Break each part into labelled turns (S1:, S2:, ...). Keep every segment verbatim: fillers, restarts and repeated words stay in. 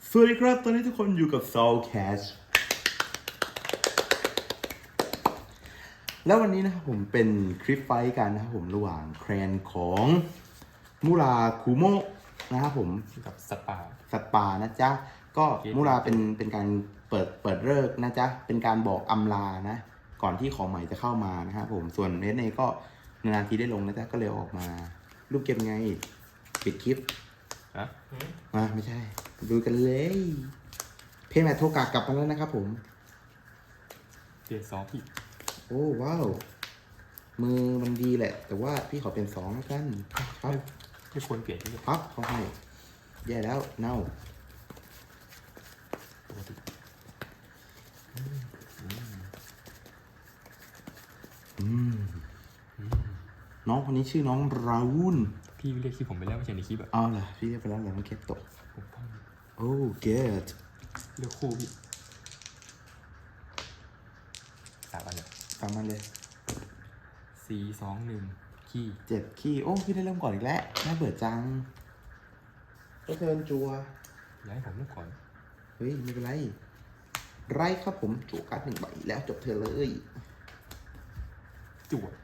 S1: สวัสดีครับตอนนี้ทุกคนอยู่กับ Soul Cash แล้ววันนี้นะครับผมเป็นคลิปไฟท์กันนะครับผมระหว่างแครนของมูราคุโมะนะครับผม
S2: กับสปา
S1: สปานะจ๊ะก็มูราเป็นเป็นการเปิดเปิดเลิกนะจ๊ะเป็นการบอกอำลานะก่อนที่ของใหม่จะเข้ามานะครับผมส่วนเนสเนก็นานๆทีได้ลงนะจ๊ะก็เลยออกมารูปเกมไงปิดคลิป
S2: ฮะ
S1: อ่าไม่ใช่ดูกันเลยเพย์แมทโทกากลับมาแล้วนะครับผม
S2: เปลี่ยนสองพี่
S1: โอ้ว้าวมือมันดีแหละ แต่ว่าพี่ขอเป็นสองแล้วกันครับ
S2: ไม่ควรเปลี่ยนที่
S1: พับเขาให้แย่แล้วเน่า
S2: ปกติ
S1: อืมน้องคนนี้ชื่อน้องราวูน
S2: พี่เรียกชื่อผมไปแล้วไม่ใช่ในคลิปอะ
S1: เอาล่ะพี่เรียกไปแล้วเหรอมันเคปโตะ
S2: ผมต้อง
S1: โอ้เกต
S2: เลือกคู่พี่สามอันเนี่ย
S1: ตามมันเลย
S2: สี่สองหนึ่งขี้
S1: เจ็ดขี้โอ้พี่ได้เริ่มก่อนอีกแล้วน่าเบื่อจังก็เทินจัว
S2: ย้ายผมเลือกก่อน
S1: เฮ้ยไม่เป็นไรไรครับผมจั่วการ์ดหนึ่งใบแล้วจบเธอเลย
S2: จั่ว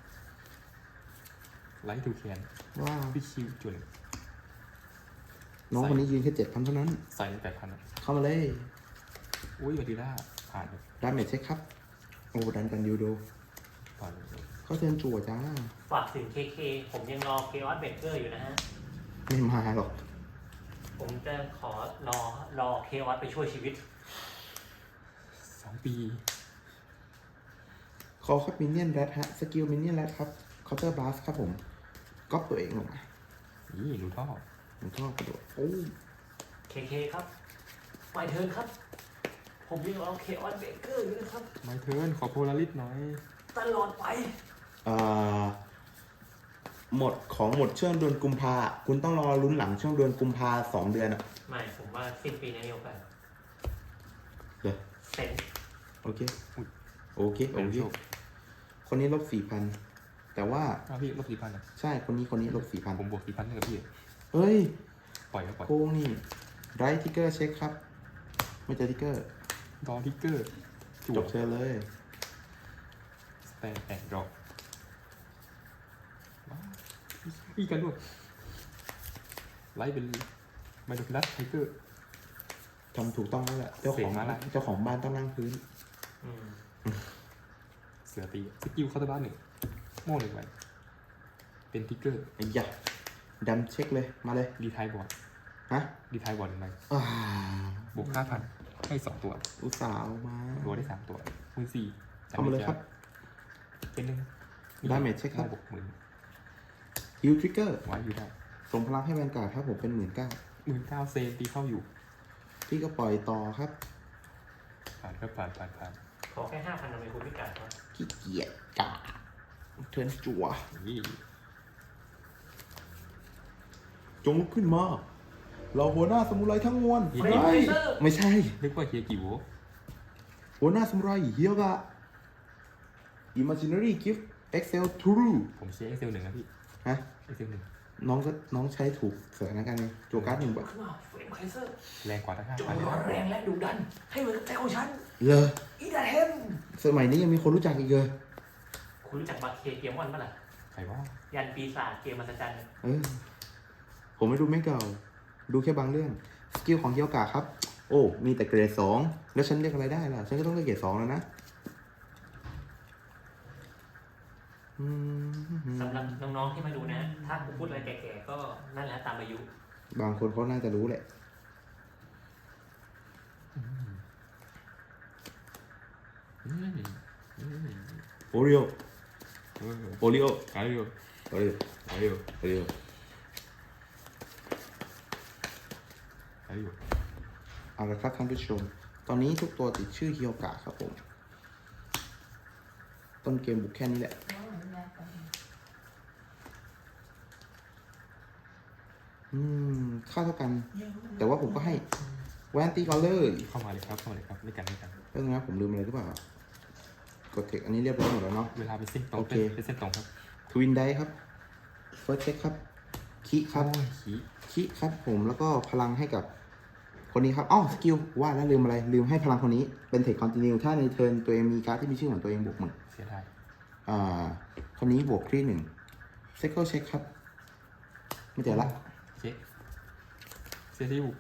S2: ไลท์ทูแคน
S1: ว้าว
S2: พี่คิวจั่วหนึ่ง
S1: น้องคนนี้ยืนแค่เจ็ดพันเท่านั้น
S2: ใส่ในแปดพันอะ
S1: เข้ามาเลย
S2: อุ้ยวัดีล่าผ่านเลย
S1: ดาเมจเช็คครับ โอ้ดันกันยูโด
S2: ผ่านเลย
S1: เขาเชิญจั่วจ้า
S3: ฝากถึง เค เค ผมยังรอ เค ออส เบเกอร์อยู่นะฮะ
S1: ไม่มาหรอก
S3: ผมจะขอรอรอ เค ออส ไปช่วยชีวิต
S2: สองปี
S1: คอครับมินเนี่ยนแรดฮะสกิลมินเนี่ยนแรดครับเคาน์เตอร์บลัสครับผมก๊อปตัวเองลงมา
S2: นี่รูท่อ
S1: ผมชอบกระโดดโอ้
S3: เค เค ครับไปเทิร์นครับ ผมยังรอ เค ออส เบเกอร์อยู่นะครับ
S2: ไมเทิร์นขอโพลาริสหน่อย
S3: ตลอดไป
S1: อ่าหมดของหมดช่วงเดือนกุมภาคุณต้องรอลุ้นหลังช่วงเดือนกุมภาสองเดือนอ่ะ
S3: ไม่ ผมว่าสิ้นปีนี้มีโอกาส
S1: เดี๋ยว
S3: เซ็น
S1: โอเคโอเคโอ
S2: เป็น
S1: เค
S2: โชค
S1: คนนี้ลบสี่พันแต่ว่า
S2: อ้าวพี่ลบสี่พันอะ
S1: ใช่คนนี้คนนี้ลบสี่พัน
S2: ผมบวกสี่พันให้กับพี่
S1: เฮ้ย
S2: ปล่อยก็ปล่อย
S1: โกงนี่ไรทิกเกอร์เช็คครับ ไม่เจอทิกเกอร์
S2: ดอทิกเกอร์จั่
S1: จ
S2: ว
S1: บเธอเลย
S2: สแตนแอนด์ดรอปอีกกันด้วยไล่เป็นไมโดฟิลัสไทเกอร์
S1: ทำถูกต้องแล้วแหละเจ้าของ
S2: เสกมาละ
S1: เจ้าของบ้านต้องนั่งพื้น
S3: อืม
S2: เสือตีสกิลคาร์ดบ้านหนึ่งโม่หนึ่งใบเป็นทิกเกอร์
S1: ไอ้ยะดันเช็คเลยมาเลย
S2: ดีไทายบอร์ด
S1: ฮะ
S2: ดีไทายบอร์ดหนึ่งใบ
S1: อ่า
S2: บวกห้าพันให้สองตัว
S1: อุตส่าห์เอามา
S2: ตัวได้สามตัวมือสี่
S1: เอามาเลยครับ
S2: เป็นหนึ่ง
S1: Damage เช็คครับ
S2: บวกหมื่น
S1: ฮิวทริกเกอร์
S2: ไว้อยู่ได้
S1: ส่งพลังให้แวนการ์ดครับผมเป็นหมื่นเก้า
S2: หมื่นเก้าเซนตีเข้าอยู่
S1: พี่ก็ปล่อยต่อครับ
S2: ผ่านครับผ่านผ่านผ่าน
S3: ขอแค่ห้าพันทำไมคุณพิการวะ
S1: ขี้เกียจกาเทิร์นจั่ว
S2: นี่
S1: จงลุกขึ้นมา เราหัวหน้าสมุไรทั้งมวล
S3: เฮ้ย
S1: ไม่
S3: เซอร์
S1: ไม่ใช่
S2: นึกว่าเฮียกี่โว
S1: หัวหน้าสมุไรเฮียกะ Imaginary Gift Excel True
S2: ผมเชียร์เอ็กเซลหนึ่งนะพี่
S1: ฮะ
S2: เอ็กเซลหนึ่ง
S1: น้องก็น้องใช้ถูกสถานการณ์ไงจั่วการ์ดหนึ่งใบ
S3: ขึ้นมาเฟรมไคเซอร์
S2: แรงกว่าทั้งห้า
S3: จง
S2: พันเลย
S3: ร้อนแรงและดุดัน ให้เหมือนกับใจของฉัน
S1: เลอ
S3: อีดาเทม
S1: สมัยนี้ยังมีคนรู้จักอีกเลย
S3: คุณรู้จักบาเคเกมวันปะล่ะ
S2: ใครว่า
S3: ยันปีศาจเกมมหัศจรรย์
S1: เออ ผมไม่ดูไม่เก่า ดูแค่บางเรื่อง สกิลของเกียวกาครับ โอ้ มีแต่เกรดสองแล้วฉันเรียกอะไรได้ล่ะ ฉันก็ต้องเรียกเกรดสองแล้วนะอืม
S3: สำหรับน้องๆที่มาดูนะ ถ้าผมพูดอะไรแก่ๆก็นั่นแหละตามอายุ
S1: บางคนเขาน่าจะรู้แหละ
S2: อืมอืม
S1: โอริโอ
S2: เออ
S1: โอริโอ
S2: อาริโอ
S1: โอริโอ
S2: อาริโอ
S1: โอริโอ
S2: อาริโอ
S1: เอาละครับท่านผู้ชม ตอนนี้ทุกตัวติดชื่อเกียวกาครับผม ต้นเกมบุกแค่นี้แหละ อืม ค่าเท่ากัน แต่ว่าผมก็ให้แวนตีก่อนเลย
S2: เข้ามาเลยครับเข้ามาเลยครับไม่กันไม่กัน
S1: เรื่องนะผมลืมอะไรหรือเปล่า กดเทคอันนี้เรียบร้อยหมดแล้วเนาะ
S2: เวลาเป็นเส้นตรง
S1: โอเค
S2: เป็นเส้นตรงครับ
S1: ทวินไดครับเฟิร์สเช็คครับ คิครับ
S2: โอ้ยขี้
S1: คิครับผมแล้วก็พลังให้กับคนนี้ครับอ้อสกิลว่าแล้วลืมอะไรลืมให้พลังคนนี้เป็นเทคคอนติเนียถ้าในเทิร์นตัวเองมีการ์ดที่มีชื่อของตัวเองบวกหมื่น
S2: เสียดาย
S1: อ่าคนนี้บวกที่หนึ่งเซคเกิลเช็คครับ ไม่เจอละ
S2: เช็คเซริว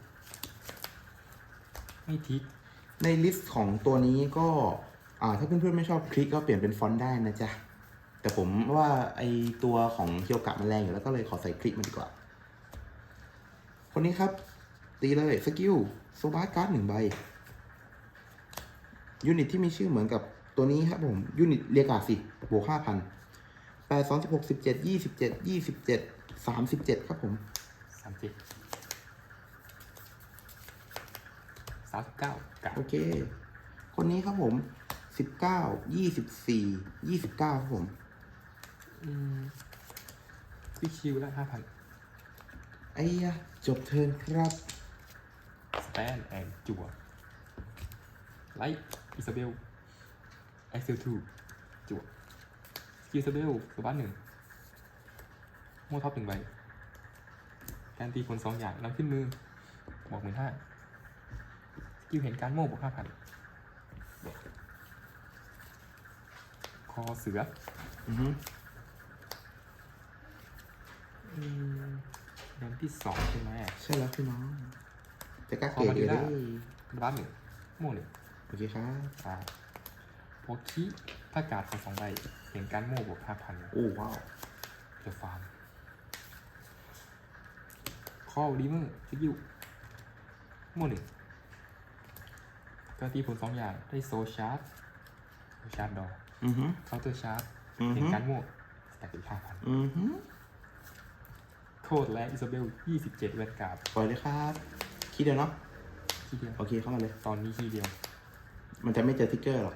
S2: ไม่ทิก
S1: ในลิสต์ของตัวนี้ก็อ่าถ้าเพื่อนๆไม่ชอบคลิกก็เปลี่ยนเป็นฟอนต์ได้นะจ๊ะ แต่ผมว่าไอตัวของเคียวกะมันแรงอยู่แล้วก็เลยขอใส่คลิกมาดีกว่า คนนี้ครับ ตีเลยสกิลโซบาร์การ์ดหนึ่งใบ ยูนิตที่มีชื่อเหมือนกับตัวนี้ครับผม ยูนิตเรียกาสิบวกห้าพันแปดสองสิบหกสิบเจ็ดยี่สิบเจ็ดยี่สิบเจ็ดสามสิบเจ็ดครับผม
S2: สามสิบสามสิบเก้ากะ
S1: โอเค คนนี้ครับผมสิบเก้ายี่สิบสี่ยี่สิบเก้าครับผม
S2: อืมวิคิวละห้าพัน
S1: ไอ้ยะจบเทิร์นครับ
S2: สแตนแอนจั่วไลท์อิซาเบลเอ็กเซลทูจั่วสกิลอิซาเบลสบัสหนึ่งโม่ท็อปหนึ่งใบการตีผลสองอย่างนำขึ้นมือบอกหมื่นห้าสกิลเห็นการโม่บวกห้าพันคอเสือ
S1: อือฮึ
S2: อืมเดือนที่สองใช่ไหม
S1: ใช่แล้วพี่น้องจะกล้า
S2: คอ
S1: เกลีย
S2: มา
S1: ด
S2: ดี
S1: เลย
S2: ล่า
S1: ได้
S2: บัสหนึ่งโม่หนึ่ง
S1: โอเคครับ
S2: อ่าโพคิถ้าการ์ดของสองใบเห็นการโม่บวกห้าพัน
S1: โอ้ว้าว
S2: เดี๋ยวฟาร์มคอดีเมอร์สกิลโม่หนึ่งการตีผลสองอย่างได้โซชาร์จโซชาร์จดอก
S1: อือฮึ
S2: เคาน์เตอร์ชาร์จ
S1: อือ
S2: เห็น
S1: ฮึ
S2: การโม่สแต็กอีกห้าพัน
S1: อือฮึ
S2: โคดและอิซาเบลยี่สิบเจ็ดแวนการ์ด
S1: ปล่อยเลยครับคิดเดียวเนาะ
S2: ทีเดียว
S1: โอเคเข้ามาเลย
S2: ตอนนี้ทีเดียว
S1: มันจะไม่เจอทิกเกอร์หรอก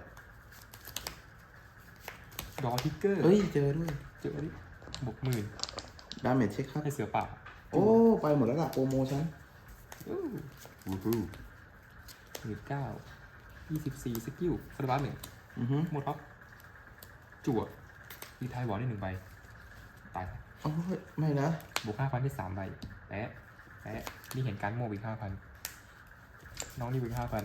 S2: ดอทิกเกอร์
S1: เอ้ยเจอด้วย
S2: เจอดิบวกหมื่น
S1: ดาเมจเช็คครับ
S2: ให้เสือป่า
S1: โอ้ไปหมดแล้วล่ะโปรโมชั่น
S2: อู้วูฮูหนึ่งเก้ายี่สิบสี่สกิลคาร์บัสหนึ่ง
S1: อือฮึ
S2: หมดครับจั่วรีไทายบอลได้หนึ่งใบตาย
S1: โอ้ยไม่นะ
S2: บวกห้าพันที่สามใบแปะแปะนี่เห็นการโม่อีกห้าพันน้องนี่อีกห้าพัน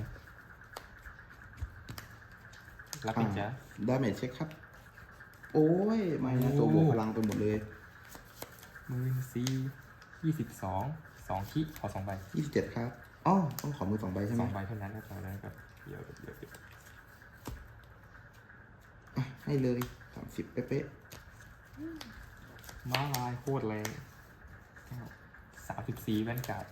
S2: รับอีกจ้ะ
S1: ดาเมจเช็คครับ โอ้ยไม่นะตัวบวกพลังไปหมดเลย
S2: หมื่นสี่ยี่สิบสองสองคิขอสองใบ
S1: ยี่สิบเจ็ดครับอ๋อต้องขอมือสองใบใช่ไห
S2: ส
S1: ม
S2: องใบเท่านั้นนะตอนนั้นครับเดี๋ยวเดี๋ยวเดี๋ยว
S1: อ่ะให้เลยสามสิบเป๊ะ
S2: ม้าลายโคตรแรงสามสิบสี่แวนการ์ด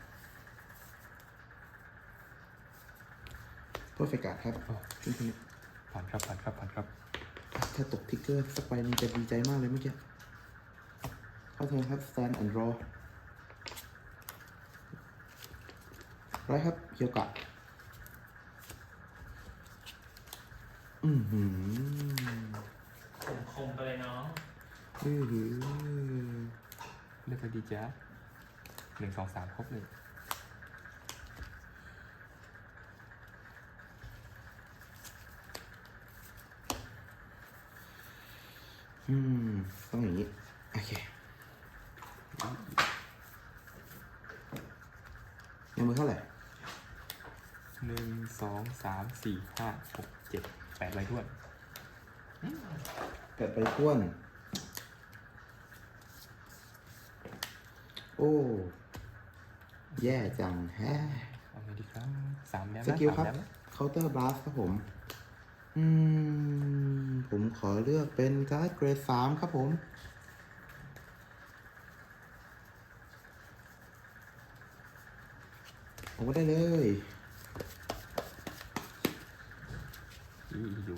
S1: ๆเพอร์เฟกต์ครับ
S2: โอ้
S1: ขึ้นคนนี้
S2: ผ่านครับผ่านครับผ่านครับ
S1: ถ้าตกทิกเกอร์สักใบนึงจะดีใจมากเลยเมื่อกี้เข้าเทิร์นครับ stand and draw ไรครับเคียวกะ อือหือ
S3: ผมคมไปเลยน้อง
S1: อือหือ
S2: เลือกไปดีจ้ะหนึ่งสองสามครบเลย
S1: อืมต้องอย่างนี้ โอเคในมือเท่าไหร่
S2: หนึ่งสองสามสี่ห้าหกเจ็ดแปดใบท้วน
S1: เกิดไปท้วน โอ้ แย่จังแฮะ
S2: เอาไงดีครับสามแล้ว
S1: ส
S2: นะ
S1: กิล
S2: สาม
S1: ครับ
S2: แล้วนะ
S1: เคาน์เตอร์บลัสครับผม อืม ผมขอเลือกเป็นการ์ดเกรดสามครับผม ผมก็ได้เลย
S2: อีอยู่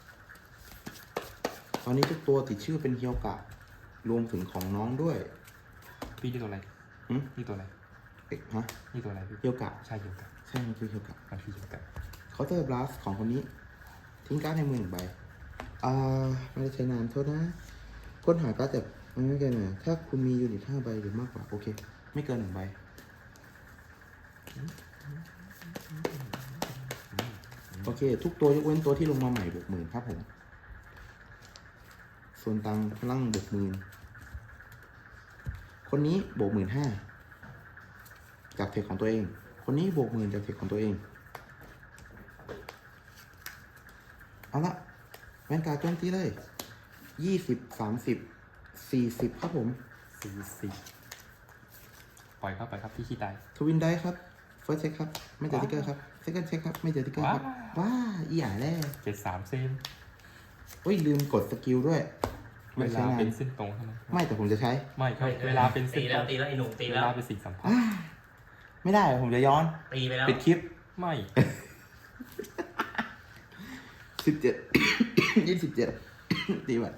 S1: ตอนนี้ทุกตัวติดชื่อเป็นเฮียวกะ รวมถึงของน้องด้วย
S2: พี่นี่ตัวอะไร
S1: หึ
S2: นี่ตัวอะไร
S1: เอ๊ะฮะ
S2: นี่ตัวอะไรพี่
S1: เฮียวกะ
S2: ใช่เดียวกัน
S1: ใช่มันคือเฮียวกะ
S2: มันคือเดียวกัน
S1: เคาน์เตอร์บลัสของคนนี้ ทิ้งการ์ดในมือหนึ่งใบ อ่า ไม่ได้ใช้นานโทษนะ ค้นหาการ์ดจากไม่เกินหน่อยถ้าคุณมียูนิตห้าใบหรือมากกว่า โอเค ไม่เกินหนึ่งใบ โอเค ทุกตัวยกเว้นตัวที่ลงมาใหม่บวกหมื่นครับผม ส่วนตังพลังบวกหมื่นคนนี้บวกหมื่นห้าจากเทคของตัวเองคนนี้บวกหมื่นจากเทคของตัวเอง เอาละแวนการ์ดโจมตีเลยยี่สิบสามสิบสี่สิบครับผม
S2: สี่สิบปล่อยเข้าไปครับพี่ขี้ตาย
S1: ทวินได้ครับเฟิร์สเช็คครับ ไม่เจอติ๊กเกอร์ครับเซคันด์เช็คครับ ไม่เจอติ๊กเกอร์ครับ ว้าอีหยาแร่
S2: เจ็ดสามเซน
S1: โอ้ย ลืมกดสกิลด้วย
S2: เวลาเป็นเส้นตรงใช่ไหม
S1: ไม่แต่ผมจะใช้
S2: ไม่ครับเวลาเป็นเส้
S3: ตี
S2: นต
S3: แล้
S2: ร
S3: ว
S2: ง
S3: ตีแล้วไอ้หนุ่มตี
S2: เว
S3: แล้ว
S2: ลาเป็นสิ่งสัมพันธ์
S1: อ้าไม่ได้ผมจะย้อน
S3: ตีไปแล้ว
S1: ปิดคลิป
S2: ไม่
S1: สิบเจ็ด ยี่สิบเจ็ด ตีบัตร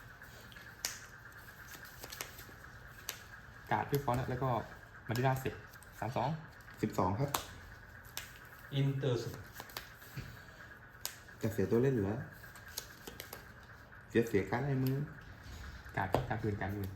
S2: การ์ดด้วยฟอนต์แล้วก็มาดิดาเสร็จสามสอง
S1: สิบสองครับ
S3: อินเตอร์ส
S1: จะเสียตัวเล่นเหรือเสียเสียการดในมือ
S2: การ์ดการคืนการอื่น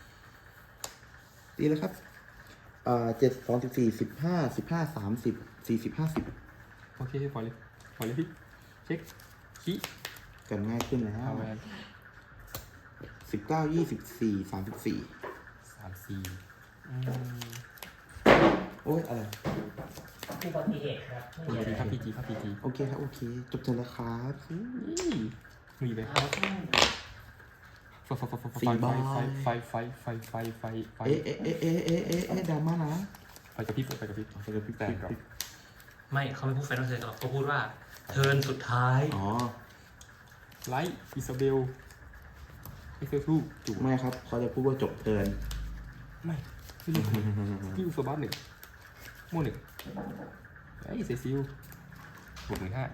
S1: ตีแล้วครับเอ่อเจ็ดสองสิบสี่สิบห้าสิบห้าสามสิบสี่สิบห้าสิบ
S2: โอเคปล่อยเลยปล่อยเลยพี่เช็คขี้
S1: กันง่ายขึ้นแล้ว
S2: เอาแวน
S1: สิบเก้ายี่สิบสี่สามสิบสี่
S2: สามสี่อืม
S1: โอ้ยอะไร
S3: อุบัติเหตุครับไม่
S2: พี
S3: มี
S2: จี
S3: อะไร
S2: ครับพีจีครับพีจี
S1: โอเคครับ โอเค จบเทิร์นแล้วครับ
S2: มีไปครับไฟไฟไฟไฟไฟไฟไฟไฟไฟไฟไฟ
S1: เอ๊ะเอ๊ะเอ๊ะเอ๊ะเอ๊ะเอ๊ะเอ๊ะดราม่านะ
S2: ไฟกระพริบไฟกระพริบ
S1: ไปกับพี่
S2: แต่
S1: แต่
S2: ครับ
S3: ไม่เขาไม่พูดแฟนเธอหรอกเขาพูดว่าเทิร์นสุดท้าย
S1: อ๋อ
S2: ไลท์อิซาเบลเอ็กเซลทูจู่
S1: ไม่ครับ เขาจะพูดว่าจบเทิร์น
S2: ไม่ไม่รู้พี่อุสบัสหนึ่งโม่หนึ่งไอ้เซซิลบวกหนึ่งห้า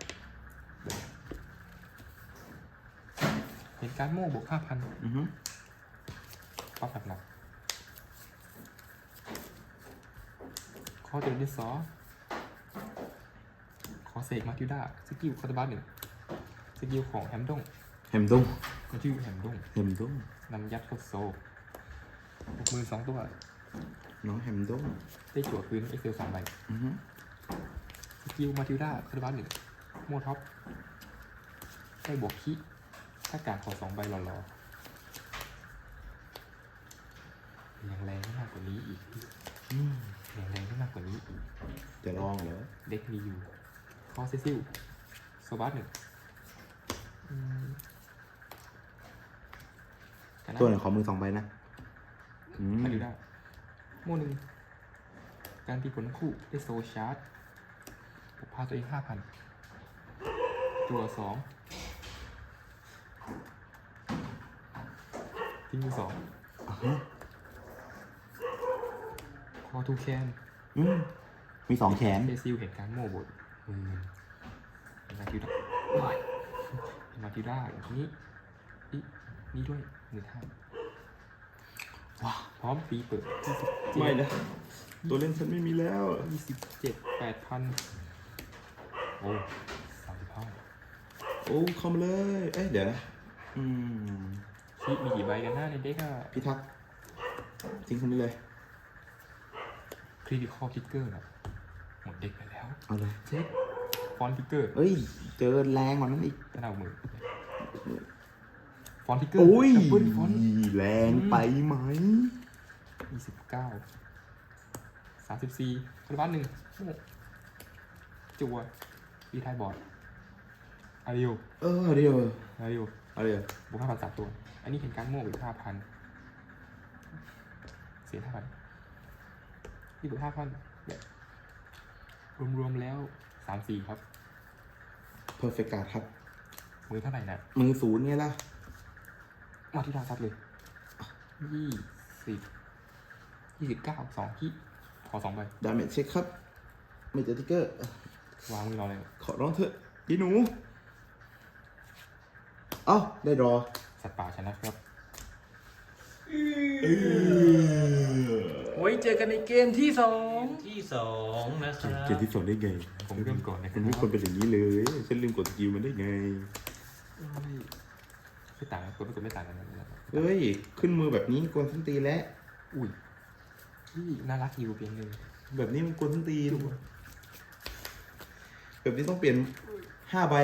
S2: เห็นการโม่บวกห้าพัน
S1: อือฮึ
S2: ปั๊บหนักๆขอเจอดิสอขอเสกมาทิวด้าสกิลคาร์บัสหนึ่งสกิลของแฮมดง
S1: แฮมดุ้ง
S2: มันชื่อแฮมดง
S1: แฮมดุ้ง
S2: นำยัดเข้าโซ่บวกมือสองตัว
S1: น้องแฮมดุ้ง
S2: ได้จั่วคืนเอ็กเซลสามใบ
S1: อือฮึ
S2: สกิลมาทิวด้าคาร์บัสหนึ่งโมท็อปได้บวกคิถ้าการขอสองใบหล่อๆยังแรงได้มากกว่านี้อีก
S1: อืม
S2: ยังแรงได้มากกว่านี้อีก
S1: จะลองเหรอ
S2: เด็กมีอยู่คอเซซิลโซบัสหนึ่งอืมกันนะ
S1: ตัวหนึ่งขอมือสองใบนะ อืม
S2: มาดูได้โม่หนึ่งการตีผลทั้งคู่ได้โซชาร์จผมพาตัวเองห้าพันตัวสองทิ้งมือสอง
S1: อ่าฮะ
S2: คอทูแคน
S1: อืมมีสองแขน
S2: เซซิลเห็นการโม่บดมือมาทิวด้ามาทิวด้าอย่างนี้นี่นี่ด้วยหนึ่งห้า
S1: ว้า
S2: พร้อมปีเปิดยี่สิบ
S1: ไม่นะ ตัวเล่นฉันไม่มีแล้ว
S2: ยี่สิบเจ็ดแปดพันโอ้สามสิบห้า
S1: โอ้เข้ามาเลย เอ้ยเดี๋ยวนะ อืม
S2: ชีมีกี่ใบกันหน้าในเด็กอะ
S1: พิทักษ์ทิ้งคนนี้เลย
S2: คริติคอลทิกเกอร์นะหมดเด็กไปแล้ว
S1: เอาเลย
S2: เช็คฟอนทิกเกอร์
S1: เอ้ย เจอแรงกว่านั้นอีก
S2: ก็เอามือฟอนทิกเกอร์
S1: โอ้ย
S2: ดับเบิลฟอน
S1: แรงไปไหม
S2: ยี่สิบเก้าสามสิบสี่คาร์บัสหนึ่งจัวปีไทยบอร์ดอาริโอ
S1: เออเดี๋ยว
S2: อาริโอ
S1: เอาเดี๋ยว
S2: บวกห้าพันสามตัว อันนี้เห็นการโม่อีกห้าพันเสียห้าพันนี่บวกห้าพันแบบรวมๆแล้วสามสี่ครับ
S1: เพอร์เฟกต์การ์ดครับ
S2: มือเท่าไหร่นะ
S1: มือศูนย์ไงล่ะ
S2: มาที่ดาวซัดเลยยี่สิบยี่สิบเก้าสองที่ขอสองใบ
S1: ดาเมจเช็คครับ ไม่เจอติ๊กเกอร์
S2: วางมือเราเลย
S1: ขอร้องเถอะยีหนู เอ้า ได้รอ
S2: สัตว์ป่าชนะครับ
S3: ไว้เจอกันในเกมที่สองที่สองนะครับ
S1: เกมที่สองได้ไง
S2: ผมเริ่มก่อนนะค
S1: มั
S2: รับ
S1: นไม่ควรเป็นอย่างนี้เลย ฉันลืมกดสกิลมันได้ไง
S2: ไม่ต่างกันตัวไม่กดไม่ต่างกันนะครับ
S1: เฮ้ย ขึ้นมือแบบนี้กวนส้นตีนแล้ว
S2: อุ้ยที่น่ารักอยู่เพียงหนึ่ง
S1: แบบนี้มันกวนส้นตีนแบบนี้ต้องเปลี่ยนห้าใบ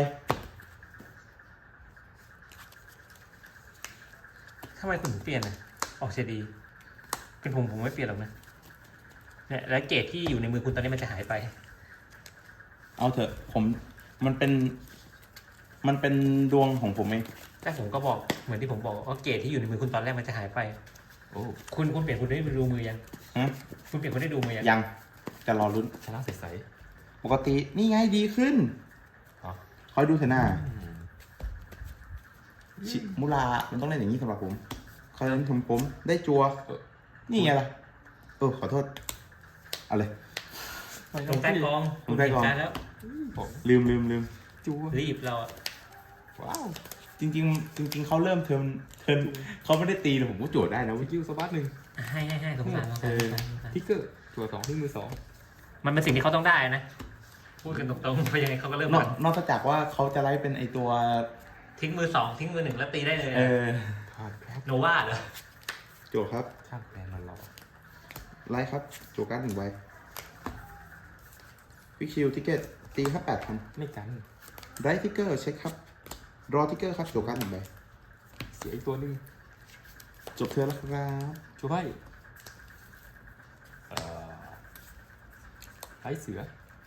S3: ทำไมคุณถึงเปลี่ยนอ่ะออกเสียดี เป็นผมผมไม่เปลี่ยนหรอกนะเนี่ยแล้วเกรดที่อยู่ในมือคุณตอนนี้มันจะหายไป
S1: เอาเถอะผมมันเป็น มันเป็นดวงของผมเอง
S3: แต่ผมก็บอกเหมือนที่ผมบอกว่าเกรดที่อยู่ในมือคุณตอนแรกมันจะหายไป
S2: โอ้
S3: คุณคุณเปลี่ยนคุณได้ดูมือยัง
S1: ฮะ
S3: คุณเปลี่ยนคุณได้ดูมือยัง
S1: ยังจะรอลุ้น
S2: ชนะใส
S1: ปกตินี่ไงดีขึ้น
S2: ๆอ๋อ
S1: คอยดูเถอะหน้า
S2: อืม
S1: ชิมุรามันต้องเล่นอย่างนี้สำหรับผมคอยเล่นผมผมได้จัว นี่ไงล่ะเออขอโทษเอาเลย
S2: ไม่
S3: ล
S2: ต้อง
S3: งใต้กอง
S1: ลงใต้กอง
S3: คุณเห็นแล้ว
S2: ผม
S1: ลืมลืมลืม
S2: จูว
S3: รีบเราอะ
S2: ว้าว
S1: จริง ๆ จริง ๆเขาเริ่มเทิร์นเทิร์นเขาไม่ได้ตีเลยผมก็โจทย์ได้นะ
S2: ส
S1: เว้ย
S2: กิลสบัดหนึ่ง
S3: ให้ให้ให้สงสารสงสาร
S1: เออ
S3: สงสารสงสาร
S2: ทิกเกอร์จั่วสองที่มือสอง
S3: มันเป็นสิ่งที่เขาต้องได้นะพูดกันตรงๆเพราะยังไงเขาก็เริ่ม
S1: นอก
S3: ก่อน
S1: นอกจากว่าเขาจะไล่เป็นไอตัว
S3: ทิ้งมือสองทิ้งมือหนึ่งแล้วตีได้เลย
S1: เออ
S2: ทาดครับ
S3: โนวาเหรอ
S1: โจทย์ครับ
S2: ข้างแปลนมันรอ
S1: ไล่ครับโจทย์การดหนึ่งใบฟิกชิลทิกเก็ตตีครับแปดพัน
S2: ไม่กัน
S1: ไรทิกเกอร์เช็คครับรอทิกเกอร์ครับโจทย์การดหนึ่งใบ
S2: เสียอีกตัวหนึ่ง
S1: จบเธอแล้วครับ
S2: ชัวร์ไพ่เอ่อไร้เสือ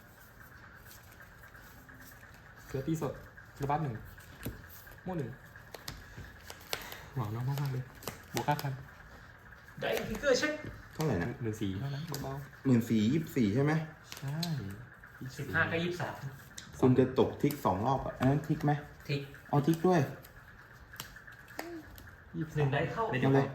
S2: เสือตีสดระบัดหนึ่งโม่หนึ่งหวังน้องมากๆเลยบวกห้าพัน
S3: ได้ทิกเกอร์เช็ค
S1: เท่าไหร่นะ
S2: หนึ่งสี่เท่านั้นเบา
S1: หมื่นสี่ยี่สิบสี่ใช่ไหม
S2: ๆใช่
S3: สิบห้าก็ยี่สิบสาม
S1: คุณจะตกทิกสองรอบอ่ะอันนั้นทิกไหม
S3: ทิก
S1: เอาทิกด้วย
S2: ยี่สิบ
S3: หนึ่งได้เข้า
S2: ไม่
S1: เอาเลย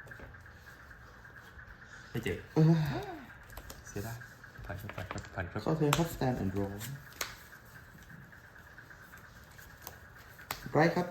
S2: ไม่เจ็บ
S1: เออ
S2: เสียได้ผ่านครับผ่านครับผ่านครับ
S1: เข้าเธอครับ stand and roll ไรครับ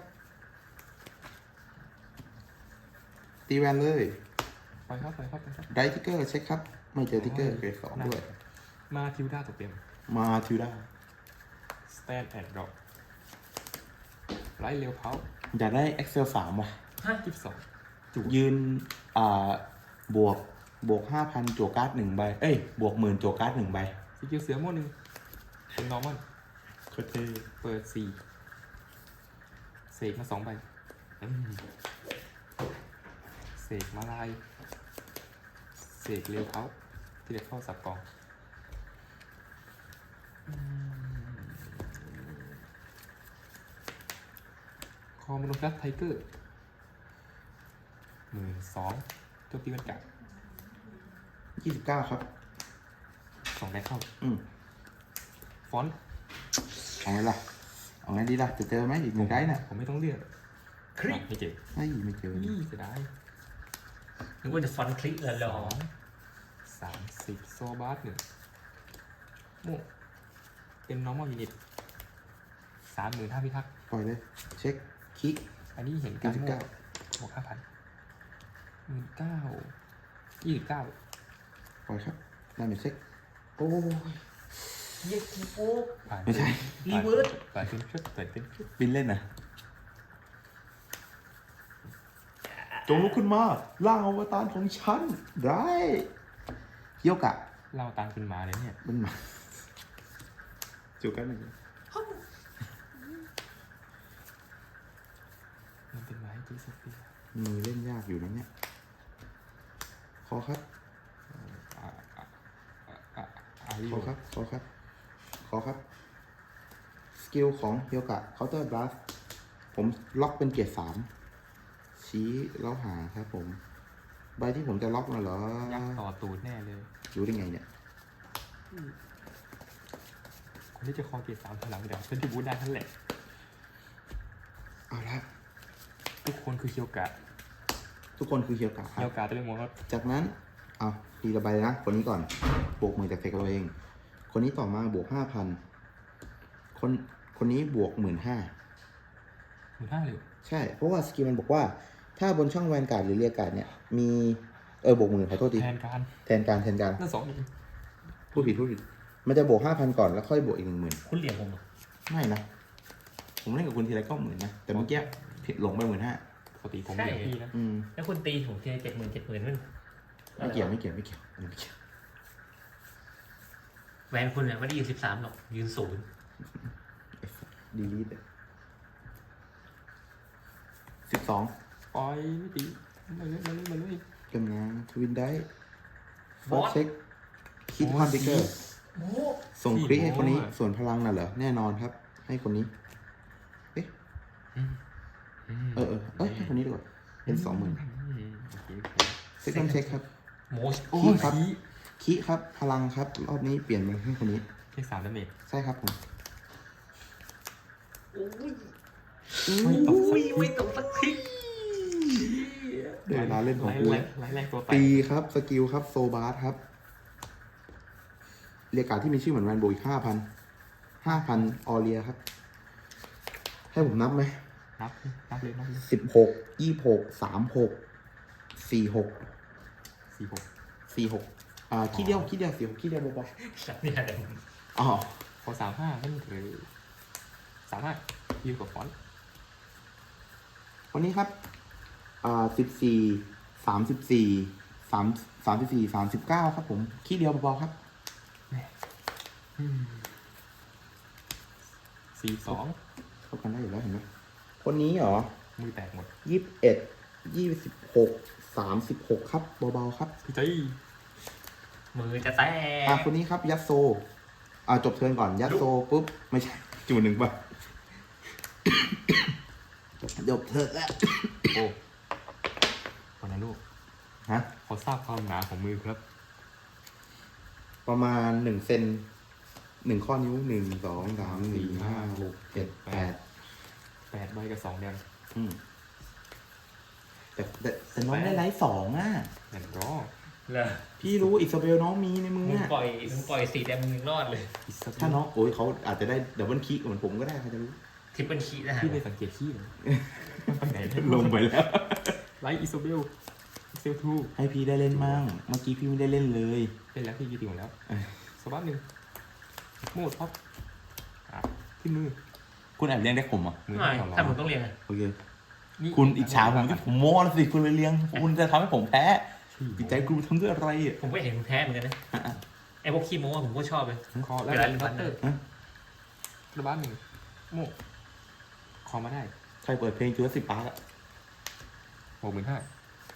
S1: ตีแวนเลย
S2: ไปครับไปครับไปครับ
S1: ไรทิกเกอร์เช็คครับ ไม่เจอทิกเกอร์เกรดสองด้วย
S2: มาทิวด้าตัวเต็ม
S1: มาทิวด้า
S2: stand and drop ไล่เร็วเพา
S1: อยากได้ Excel สามว่ะ
S3: ฮะ
S2: ยี่สิบสอง
S1: ยืน อ่า บวก บวกห้าพันจั่วการ์ดหนึ่งใบ เอ้ย บวกหมื่นจั่วการ์ดหนึ่งใบ
S2: สกิลเสือโม่หนึ่งเป็น normal
S1: โคตรเท่
S2: เปิดสี่เสกมาสองใบอืมเสกมาลายเสกเร็วเขาที่เด็กเข้าสับกองอืมคอมโนกัสไทเกอร์หมื่นสองโจมตีมันกัด
S1: ยี่สิบเก้าครับ
S2: สองได้เข้า
S1: อืม
S2: ฟอนต์
S1: เอาไงล่ะ เอาไงดีล่ะ จะเจอไหมอีกหนึ่งได้น่ะ
S2: ผมไม่ต้องเลือก
S3: คลิก
S2: ไม่เจ็บ
S1: เฮ้ยไม่เจอ
S2: นี่เสียดาย
S3: นึกว่าจะฟอนต์คลิกเลยเหร
S2: ส
S3: อ
S2: องสามสิบโซบาร์หนึ่งโม่เป็น normal unit สามหมื่นห้าพิทักษ์
S1: ปล่อยเลย เช็ค คลิก
S2: อันนี้เห็นการ
S1: ยี่สิบ
S2: โม่
S1: เก้า
S2: บวกห้าพันหมื่นเก้ายี่สิบเก้า
S1: ปล่อยครับได้ไหมเช็ค โอ้ย
S3: เย็ดโอ้
S2: ผ่าน
S1: ไม่ใช่
S3: รีเวิร์ส
S2: ผ่านเป็นชุดเปิดเป็นชุด
S1: บินเล่นนะจงลุกขึ้นมาล่างอวตารของฉันได้เฮียวกะ
S2: เราตามเป็นหมาเลยเนี่ย
S1: มันมาจูกันหนึ่ง
S2: มันเป็นหมาให้จีสเปีย
S1: มือเล่นยากอยู่นะเนี่ยขอครับ
S2: อ่าอ่าอ่าอ่าอาริ
S1: ข
S2: โอ
S1: อครับ ขอครับ ขอครับ สกิลของเฮียวกะเคาน์เตอร์บลัสผมล็อกเป็นเกียร์สามชี้แล้วหาครับผม ใบที่ผมจะล็อกน่ะเหรอ
S2: ยักษ์ต่อตูดแน่เลย
S1: รู้ได้ไงเนี่ย
S2: คนที่จะคอเกียร์สามถอยหลังเดี๋ยวฉันจะบูทได้ทั้นแหละ
S1: เอาละ
S2: ทุกคนคือเคียวกะ
S1: ทุกคนคือเฮียวกะครั
S2: เคีย
S1: บ
S2: วกะตัวเองหมด
S1: จากนั้น เอาทีละใบนะ คนนี้ก่อน บวกหมื่นจากเทคเราเอง คนนี้ต่อมาบวกห้าพัน คน คนนี้บวกหมื่นห้า
S2: หมื่นห้าเลย
S1: ใช่ เพราะว่าสกิลมันบอกว่า ถ้าบนช่องแวนการ์ดหรือเรียกการ์ดเนี่ย มี เออบวกหมื่นขอโทษที
S2: แทนการ
S1: แทนการแทนการ
S2: นั่นสองหมื่น
S1: พูดผิดพูดผิด มันจะบวกห้าพันก่อนแล้วค่อยบวกอีกหนึ่งหมื่น
S3: คุณเหลี่ยมผมเหรอ
S1: ไม่นะ ผมเล่นกับคุณทีไรก็หมื่นนะ แต่เมื่อกี้ผิดหลงไปหมื่นห้า
S2: ปกติผมเหลือพี่นะ
S1: อืม
S3: แล้วคุณตีผมทีเจ็ดหมื่นเจ็ดหมื่นนั่น
S1: ไม่เกี่ยวไม่เกี่ยวไม่เกี่ยวอันนี้ไม่เกี่ยว
S3: แวนคุณเนี่ยไม่ได้ยืนสิบสามหรอกยืนศูนย์
S1: ดีลีทสิบสอง
S2: ปล่อยไม่ตีมาเลยมาเลยมาเลย
S1: กำลังทวินได้ฟอร์เช็คคิดคอนติเกอร์
S3: โอ้
S1: ส่งคลิกให้คนนี้ ส่วนพลังน่ะเหรอ แน่นอนครับ ให้คนนี้ เอ๊ะ เออเออเอ้ย ให้คนนี้ดีกว่า เป็นสองหมื่นเซ็กซ์เช็คครับ
S3: โมช
S2: โอ้
S1: คี
S2: ย
S1: ครับ
S2: ขี้
S1: คีครับ พลังครับ รอบนี้เปลี่ยนมาให้คนนี้
S2: เลขสามดาเมจ
S1: ใช่ครับผม
S3: โอ้ย
S2: ไม่ตกสัก
S3: อุ้ย
S2: ที
S3: ไม่ตกสักที
S1: เดี๋ยวเวลาเล่นของกู
S2: ไล่ไล่ไล่ตัวแตก
S1: ตีครับ สกิลครับ โซบาร์ครับ เรียกการดที่มีชื่อเหมือนแวนโบอีกห้าพัน ห้าพันออเรียครับ ให้ผมนับไหม
S2: นับนับเลยนับเลย
S1: สิบหก ยี่หก สามหก สี่หก
S2: สี่หก
S1: สี่หก อ่าขี้เดียวขี้เดียวสี่หกขี้เดียวเบา
S3: สัตว์เนี่ยเดี๋ยวผม
S1: ๆอ๋อ
S2: พอสามห้านั่นคือสามห้ายิวกับฟอนต์
S1: วันนี้ครับ อ่าสิบสี่ สามสิบสี่ สาม สามสิบสี่ สามสิบเก้าครับผมขี้เดียวเบาๆครับ
S2: สี่สอง
S1: เข้ากันได้อยู่แล้วเห็นไหม คนนี้เหรอ
S2: มือแตกหมด
S1: ยี่สิบเอ็ด ยี่สิบหก สามสิบหกครับ เบาๆครับ
S2: พี่ใจ
S3: มือจะแต
S1: อ่ะ
S3: ก
S1: คนนี้ครับ ยัดโซ อ่าจบเทิร์นก่อน ยัดโซปุ๊บ ไม่ใช่ จูหนึ่งป่ะ จบเทิร์นแล้ว
S2: โอ้คนนั้นลูก
S1: ฮะ
S2: ขอทราบความหนาของมือครับ
S1: ประมาณหนึ่งเซนหนึ่งข้อนิ้วหนึ่งสองสามสี่ห้าหกเจ็ดแปด
S2: แปดใบกับสองแดง
S1: อืมแต่แต่แต่น้องได้ไลท์สองอ่ะ
S2: แอนด์รอ
S3: เหรอ
S1: พี่รู้อิสราเบลน้องมีในมือ
S3: มึง
S1: อ่ะ
S3: ปล่อยมึงปล่อยสีแดงมึงยังรอดเลย
S2: อิสราเบล
S1: ถ้าน้องโอ้ยเขาอาจจะได้ดับเบิลคิกเหมือนผมก็ได้ใครจะรู้
S3: ทริปเปิลคีนะฮะ
S2: พี่ไม่สังเกตขี้เลยมันไปไหนได้
S1: ลงไปแล้ว
S2: ไลท์อิสราเบลเซลทู
S1: ให้พี่ได้เล่นมั่งเมื่อกี้พี่ไม่ได้เล่นเลย
S2: เล่นแล้วพี่ยืดติ่งหมดแล้ว
S1: เอ้ย
S2: สวัสดหนึ่งโหมดท็อปอ่ะขึ้นมือ
S1: คุณแอบเลี้ยงได้ผมอ่ะ
S2: มือ
S3: ไม่
S2: ของเรา
S3: ถ้ามึงต้องเรียนอะ
S1: โอเค
S2: นี่
S1: คุณอิจฉาผมที่ผมโม้แล้วสิคุณเลยเลี้ยง คุณจะทำให้ผมแพ้จิตใจคุณทำด้วยอะไรอ่ะ
S3: ผมก็เห็นมึงแพ้เหมือนกันนะไอ้พวกขี้โม้อะผมก็ชอบเลย
S2: คอแล้ว
S3: เวลา
S2: บัตเตอร์
S1: ฮะ
S2: ระบาดหนึ่งโม่คอมาได้
S1: ใครเปิดเพลงจูเลสิบปาร์กอ่ะ
S2: หกหมื่นห้า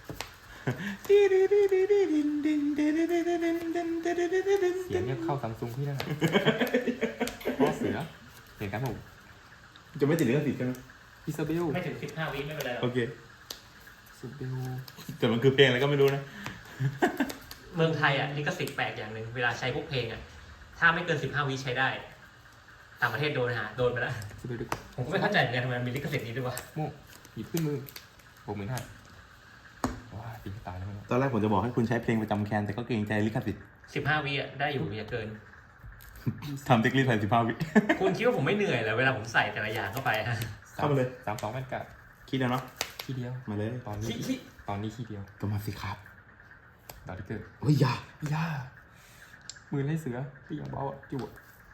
S2: เสียงเนี่ยเข้าซัมซุงพี่ได้พ่อเสือเห็นกันผม
S1: จะไม่ติดเรื่องติดใช่ไหม
S2: อิซาเบล
S3: ไม่ถึงสิบห้าวิไม่เป็นไรหรอก
S1: โอเค
S2: อิซาเบล
S1: แต่มันคือเพลงอะไรก็ไม่รู้นะ
S3: เมืองไทยอ่ะลิขสิทธิ์แปลกอย่างหนึ่งเวลาใช้พวกเพลงอ่ะถ้าไม่เกินสิบห้าวิใช้ได้ ต่างประเทศโดนหาโดนไปแล้ว
S2: อิซาเบลดึก
S3: ผมก็ไม่เข้าใจเหมือนกันทำไมมันมีลิขสิทธิ์นี้ด้วยวะ
S2: โม่หยิบขึ้นมือหกหมื่นห้าว้าตีตายแล้วมั้ง
S1: ตอนแรกผมจะบอกให้คุณใช้เพลงประจำแคนแต่ก็เกรงใจลิขสิทธิ์
S3: สิบห้าวิอ่ะได้อยู่อย่าเกิน
S1: ทำเทคนิคใส่สิบห้าวิ
S3: คุณคิดว่าผมไม่เหนื่อยเหรอเวลาผมใส่แต่ละอย่างเข้าไปฮะ
S1: เข้ามาเลย
S2: สามสองแม่นกัด
S1: คิดแล้วเนาะ
S2: ขี้เดียว
S1: มาเลย
S2: ตอนนี้
S3: ขี้ขี้
S2: ตอนนี้ขี้เดียว
S1: ก็มาสิครับ
S2: ดาวที่เกิด
S1: เฮ้ยอย่า
S2: ย่ามือไล่เสือตีอย่างเบาอ่ะจุ๊บ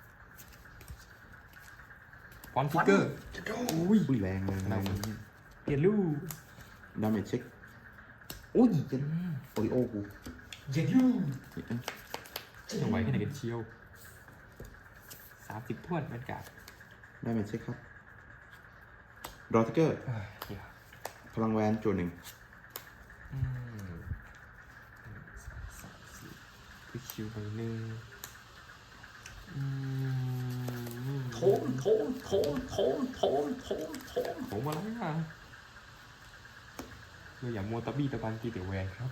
S2: ฟอนติเกอร์อุ้ย
S1: อุ้ยแรงแรงแร
S2: เรา
S1: ง
S2: เปลี่ยนลูก
S1: ดาเมจเช็คอุ้ยเยันโอริโอกู
S3: เย็นยู
S2: จะไหวแค่ไหนกันเชียวสามสิบถ้วนบรรยากาศ
S1: ดาเมจเช็คครับดอทิเกอร์
S2: เฮ้ยเดี๋ยว
S1: พลังแวนโจหนึ่ง
S2: อืมหนึ่งสองสามสี่คือคิวไปหนึ่งอืม
S3: โถมโถมโถมโถมโถมโถมโถม
S2: ผมอะไรอ่ะเราอย่ามัวตะบี้ตะบันตีแต่แวนครับ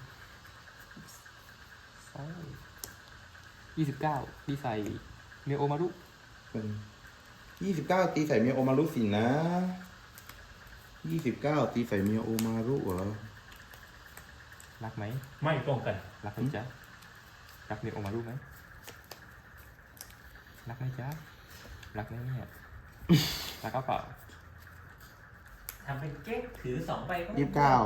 S2: สองยี่สิบเก้าดีใส่เนโอมารุ
S1: เป็นยี่สิบเก้าตีใส่เมียโอมารุสินะยี่สิบเก้าตีใส่เมียโอมารุเหรอ
S2: รักไหม
S3: ไม่ป้องกัน
S2: รักไหมจ๊ะรักเนโอมารุไหมรักไหมจ๊ะรักไหมเนี่ยรักก็เปล่า
S3: ทำเป็นเก๊กถือสองใบ
S1: ยี่สิบเก้า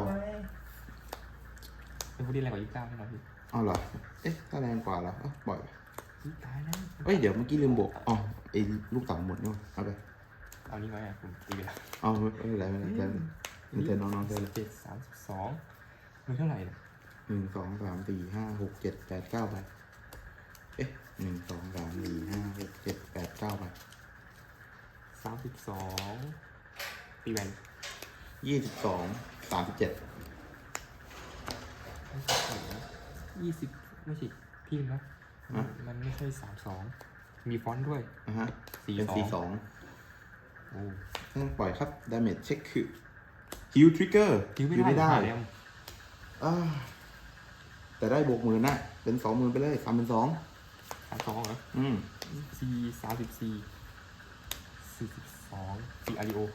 S2: เป็นผู้ที่แรงกว่ายี่สิบเก้าแน่นอนพี่
S1: เอาเหรอเอ๊ะถ้าแรงกว่าเหรอเอ้าปล่อยไป
S2: อุ๊ยตายแล้ว
S1: เอ้ยเดี๋ยวเมื่อกี้ลืมบวกอ๋อไอ้ลูกเต๋าหมดนี่หว่าเอาไป
S2: เอานี้ไว้อ่ะผมตีไปแล้ว
S1: เอาไม่ไม่เป็นไรไม่เป็นไรเธอน้องๆเธอเลย
S2: เจ็ดสามสิบสองมือเท่าไหร่เนี่ย
S1: หนึ่งสองสามสี่ห้าหกเจ็ดแปดเก้าไปเอ๊ะหนึ่งสองสามสี่ห้าหกเจ็ดแปดเก้าไป
S2: สามสิบสองตีแวน
S1: ยี่สิบสองสามสิบเจ็ด
S2: ยี่สิบไม่ใช่พี่นะ
S1: อ่ะ
S2: มันไม่ใช่สามสองมีฟอนต์ด้วย
S1: นะฮะ
S2: สี่
S1: เป็น
S2: สอง
S1: สี่สอง
S2: โอ้
S1: ต้องปล่อยครับ damage check คือ heal trigger
S2: คิวไม่
S1: heal ไม่
S2: ได้
S1: ได้
S2: แล้ว
S1: อ่าแต่ได้บวกหมื่นนะเป็นสองหมื่นไปเลยสามเป็นสอง
S2: สามสองเหรอ
S1: อืม
S2: สี่สามสิบสี่สี่สิบสองสี่อาริโอ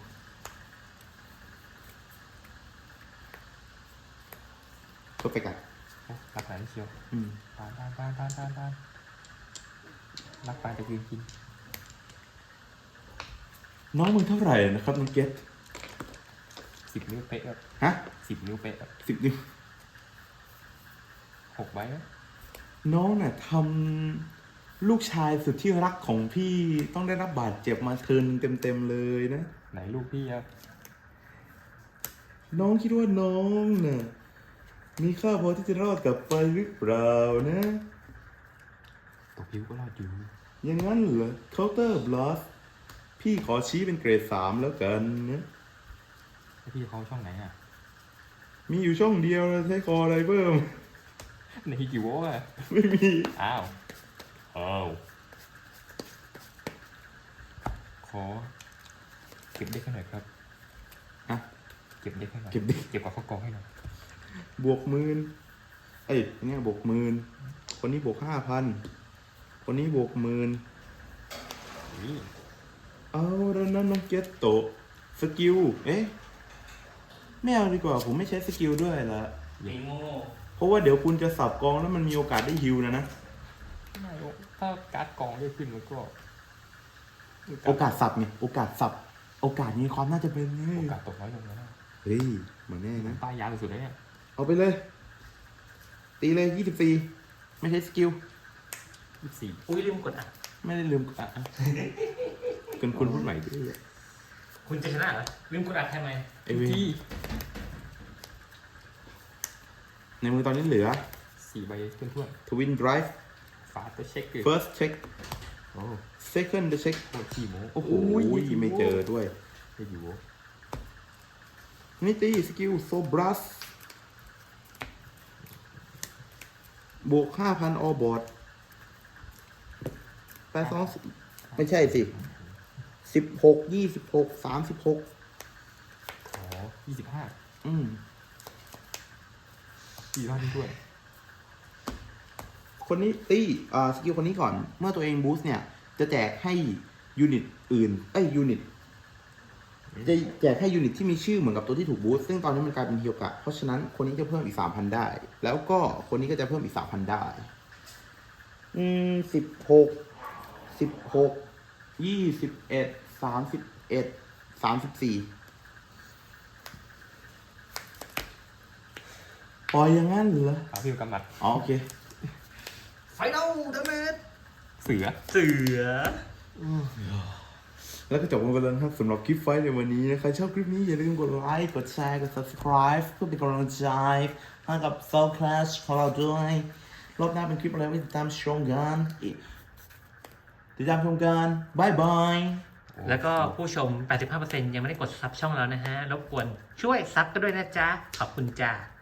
S1: เพอร์เฟกต์อ่ะ
S2: โอ้รักหลายเชียว
S1: อืม
S2: ปานปานปานปานปานปานรักปานจะกินกิน
S1: น้องมึงเท่าไหร่นะครับน้องเกต
S2: สิบนิ้วเป๊ะครับ
S1: ฮะ
S2: สิบนิ้วเป๊ะครับ
S1: สิบนิ้ว
S2: หกใบครับ
S1: น้องน่ะทำลูกชายสุดที่รักของพี่ต้องได้รับบาดเจ็บมาเทิร์นเต็มๆเลยนะ
S2: ไหนลูกพี่ครับ
S1: น้องคิดว่าน้องน่ะมีค่าพอที่จะรอดกลับไปหรือเปล่านะ
S2: ตกพิวก็รอดอยู่
S1: อย่างนั้นเหรอ counter blast พี่ขอชี้เป็นเกรดสามแล้วกันนะ
S2: แล้วพี่เขาช่องไหนอ่ะ
S1: มีอยู่ช่องเดียวนะใช้คออะไรเพิ่ม
S2: ในกี่โวลต์อ่ะ
S1: ไม่มี
S2: อ้าวอ้าวขอเก็บเด็กให้หน่อยครับ
S1: อ่ะ
S2: เก็บเด็กให้หน่อย
S1: เก็บเด็ก
S2: เก็บกับข้าวกองให้หน่อย
S1: บวกหมื่นเอ้ยเนี่ยบวกหมื่นคนนี้บวกห้าพันคนนี้บวกหมื่น
S2: นี่
S1: เอาแล้วนั้นน้องเกตโตะสกิล เอ๊ะ ไม่เอาดีกว่า ผมไม่ใช้สกิลด้วยละ
S3: ตีโง่
S1: เพราะว่าเดี๋ยวคุณจะสับกองแล้วมันมีโอกาสได้ฮิวนะนะ
S2: ไม่ถ้าการ์ดกองได้ขึ้นมันก็
S1: โอกาสสับไงโอกาสสับ โอกาสมีความน่าจะเป็นไง
S2: โอกาสตกน้อยลงแล้วนะ
S1: เฮ้ยเหมือนแน่นะ
S2: ป้ายยาวสุดๆเลยเนี่ย
S1: เอาไปเลย ตีเลยยี่สิบสี่ไม่ใช้สกิล
S2: ยี่สิบสี่
S3: อุ้ยลืมกดอ่ะ
S1: ไม่ได้ลืมอ่ะอ่ะคุณคุณพูดใหม่ดิ
S3: คุณจะชนะเหรอลืมกดอัดทำไม
S1: ไอเว
S2: ที่
S1: ในมือตอนนี้เหลือ
S2: สี่ใบเพื่อน
S1: Twin Drive
S2: ๆฝาตัวเช็คเกอร์
S1: First check
S2: โอ้
S1: Second check
S2: โหขี้โม้
S1: โอ้โหไม่เจอด้วย
S2: ไม่อยู่
S1: นี่ตีสกิลโซบรัสบวกห้าพันออบอร์ดแปดสองไม่ใช่สิสิบหกยี่สิบหกสามสิบหก
S2: ขอยี่สิบห้า
S1: อืม
S2: สี่รอบด้วย
S1: คนนี้ตีอ่าสกิลคนนี้ก่อน เมื่อตัวเองบูสต์เนี่ย จะแจกให้ยูนิตอื่น เอ้ยยูนิต จะแจกให้ยูนิตที่มีชื่อเหมือนกับตัวที่ถูกบูสต์ซึ่งตอนนี้มันกลายเป็นเฮียวกะ เพราะฉะนั้นคนนี้จะเพิ่มอีกสามพันได้ แล้วก็คนนี้ก็จะเพิ่มอีกสามพันได้ อืมสิบหกสิบหกยี่สิบเอ็ดสามสิบเอ็ดสามสิบสี่ปล่อยอย่างนั้นเหรอ
S2: ฝาพิวกำมัด
S1: อ๋อโอเค
S3: ไฟนอลเดเมจ
S2: เสือ
S3: เสือ
S1: แล้วก็จบกันไปแล้วนะครับสำหรับคลิปไฟท์ในวันนี้นะใครชอบคลิปนี้อย่าลืมกดไลค์ กดแชร์ กด subscribe เพื่อเป็นกำลังใจให้กับ Soul Clash ของเราด้วยรอบหน้าเป็นคลิปอะไรไว้ติดตามชมกันติดตามชมกันบายบาย
S3: แล้วก็ผู้ชม แปดสิบห้าเปอร์เซ็นต์ ยังไม่ได้กดซับช่องเรานะฮะ รบกวนช่วยซับกันด้วยนะจ๊ะ ขอบคุณจ้า